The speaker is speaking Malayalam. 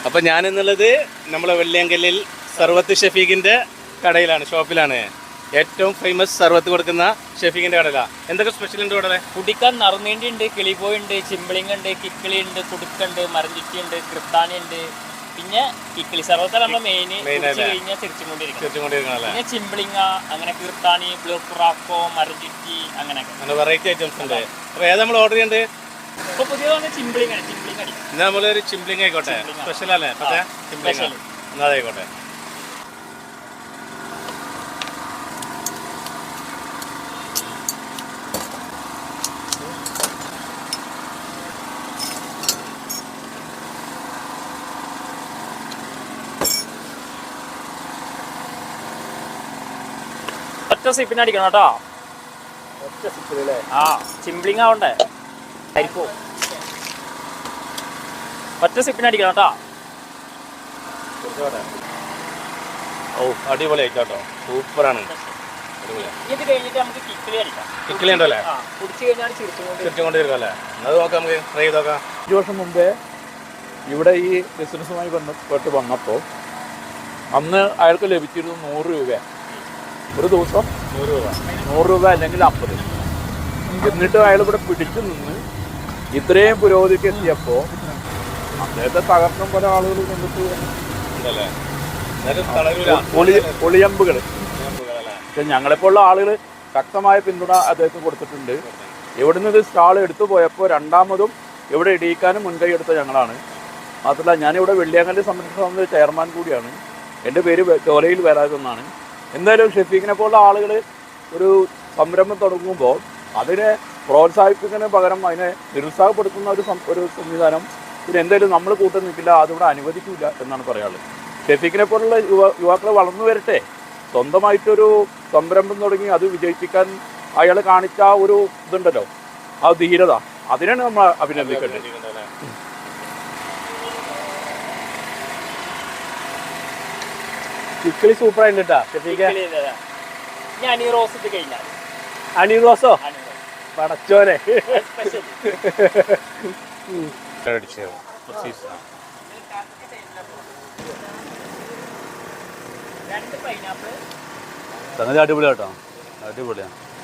അപ്പം ഞാനെന്നുള്ളത് നമ്മളെ വെള്ളിയങ്കലിൽ സർവത്ത് ഷഫീഖിൻ്റെ കടയിലാണ്, ഷോപ്പിലാണ്. ഏറ്റവും ഫേമസ് സർവത്ത് കൊടുക്കുന്ന ഷഫീഖിൻ്റെ കടയിലാണ്. എന്തൊക്കെ സ്പെഷ്യൽ ഉണ്ട് ഇവിടെ? കുടിക്കാൻ നറുനീണ്ടി ഉണ്ട്, കിളിപോയി ഉണ്ട്, ചിമ്പിളിങ് ഉണ്ട്, കിക്കിളി ഉണ്ട്, കുടുക്കുണ്ട്, മരഞ്ചുറ്റി ഉണ്ട്, കൃത്താനി ഉണ്ട്. പിന്നെ കിക്കിളി സർവത്ത് നമ്മൾ മെയിൻ കഴിഞ്ഞാൽ ചിരിച്ചുകൊണ്ടിരിക്കുന്നത്. പിന്നെ ചിമ്പിളിങ്ങ, അങ്ങനെ കീർത്താനി, ബ്ലൂറാക്കോ, മരഞ്ചുറ്റി, അങ്ങനെയൊക്കെ വെറൈറ്റി ഐറ്റംസ് ഉണ്ട്. അപ്പോൾ ഏതാ നമ്മൾ ഓർഡർ ചെയ്യേണ്ടത്? ഇപ്പൊ പുതിയതാണ് ചിമ്പിളിങ് ആണ്. ചിമ്പിളിങ് അടി നമ്മളൊരു ചിമ്പിളിങ് ആയിക്കോട്ടെ, സ്പെഷ്യൽ അല്ലേ? പക്ഷേ ചിമ്പിളിങ് അതായിക്കോട്ടെ. ഒറ്റ സിപ്പിന് അടിക്കണം കേട്ടോ. ആ ചിമ്പിളിങ് ആവണ്ടേ, അരിപ്പോ ഒറ്റ സിപ്പിന് അടിക്കണം കേട്ടോ. ഓ അടിപൊളി ആയിക്കോട്ടോ, സൂപ്പറാണ്. ഇത് കഴിഞ്ഞിട്ട് നമുക്ക് കിക്കിളി അടിക്കാം. കിക്കിളി ഉണ്ടല്ലേ? കുടിച്ചു കഴിഞ്ഞാൽ ചിരിച്ചുകൊണ്ടിരിക്കും. അത് നോക്കാം, നമുക്ക് ട്രൈ ചെയ്ത് നോക്കാം. 5 വർഷം മുമ്പേ ഇവിടെ ഈ ബിസിനസ്സുമായി ബന്ധപ്പെട്ട് വന്നപ്പോൾ അന്ന് അയാൾക്ക് ലഭിച്ചിരുന്നു 100 രൂപ ഒരു ദിവസം. 100 രൂപ അല്ലെങ്കിൽ 50. എന്നിട്ട് അയാൾ ഇവിടെ പിടിച്ചു നിന്ന് ഇത്രയും പുരോഗതിക്ക് എത്തിയപ്പോൾ അദ്ദേഹത്തെ തകർന്നും പല ആളുകൾ കണ്ടിട്ട് ഒളിയമ്പുകൾ. പക്ഷെ ഞങ്ങളെപ്പോലുള്ള ആളുകൾ ശക്തമായ പിന്തുണ അദ്ദേഹത്തിന് കൊടുത്തിട്ടുണ്ട്. ഇവിടുന്ന് ഇത് സ്റ്റാൾ എടുത്തു പോയപ്പോൾ രണ്ടാമതും ഇവിടെ ഇടിയിക്കാനും മുൻകൈ എടുത്ത ഞങ്ങളാണ്. മാത്രമല്ല ഞാനിവിടെ വെള്ളിയാങ്കല്ല് സംരക്ഷണ സമിതി ചെയർമാൻ കൂടിയാണ്. എൻ്റെ പേര് ചോലയിൽ വരാതെന്നാണ്. എന്തായാലും ഷഫീഖിനെ പോലുള്ള ആളുകൾ ഒരു സംരംഭം തുടങ്ങുമ്പോൾ അതിനെ പ്രോത്സാഹിപ്പിക്കുന്നതിന് പകരം അതിനെ നിരുത്സാഹപ്പെടുത്തുന്ന ഒരു സംവിധാനം പിന്നെ എന്തായാലും നമ്മൾ കൂട്ടം നിൽക്കില്ല, അതിവിടെ അനുവദിക്കില്ല എന്നാണ് പറയാനുള്ളത്. ഷഫീഖിനെ പോലുള്ള യുവാക്കൾ വളർന്നു വരട്ടെ, സ്വന്തമായിട്ടൊരു സംരംഭം തുടങ്ങി അത് വിജയിപ്പിക്കാൻ അയാൾ കാണിച്ച ഒരു ഇതുണ്ടല്ലോ, ആ ധീരത, അതിനാണ് നമ്മൾ അഭിനന്ദിക്കേണ്ടത്. കിക്കിളി സൂപ്പറായിട്ട് കേട്ടാ. അണി റോസോ പടച്ചോനെ. സംഗതി അടിപൊളിയാട്ടോ, അടിപൊളിയാണ്.